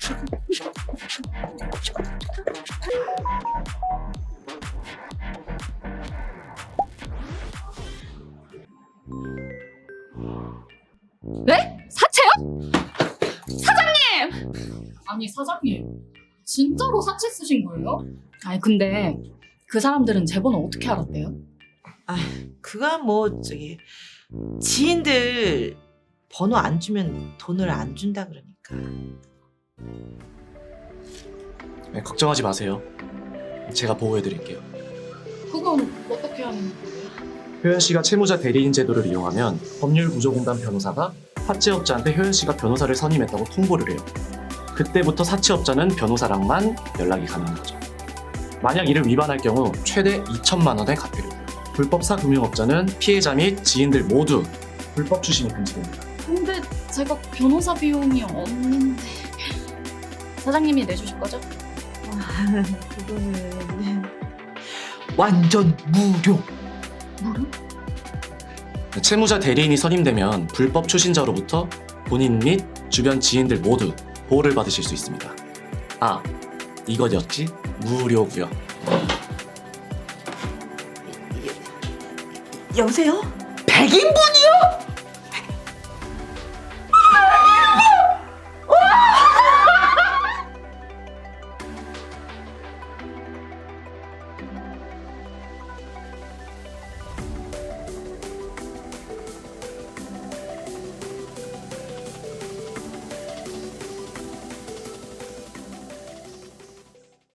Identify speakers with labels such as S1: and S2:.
S1: 네? 사채요? 사장님! 아니 사장님 진짜로 사채 쓰신 거예요? 아니 근데 그 사람들은 제 번호 어떻게 알았대요?
S2: 아, 그가 뭐 저기 지인들 번호 안 주면 돈을 안 준다 그러니까.
S3: 네, 걱정하지 마세요. 제가 보호해드릴게요.
S1: 그건 어떻게 하는 거예요?
S3: 효연 씨가 채무자 대리인 제도를 이용하면 법률구조공단 변호사가 사채업자한테 효연 씨가 변호사를 선임했다고 통보를 해요. 그때부터 사채업자는 변호사랑만 연락이 가능한 거죠. 만약 이를 위반할 경우 최대 2천만 원의 과태료고요. 불법 사금융업자는 피해자 및 지인들 모두 불법 추심이 금지됩니다.
S1: 근데 제가 변호사 비용이 없는데 사장님이 내주실 거죠?
S2: 그거는 완전 무료.
S1: 무료?
S3: 채무자 대리인이 선임되면 불법 추신자로부터 본인 및 주변 지인들 모두 보호를 받으실 수 있습니다. 아, 이것이었지? 무료고요.
S2: 여보세요? 100인분이요?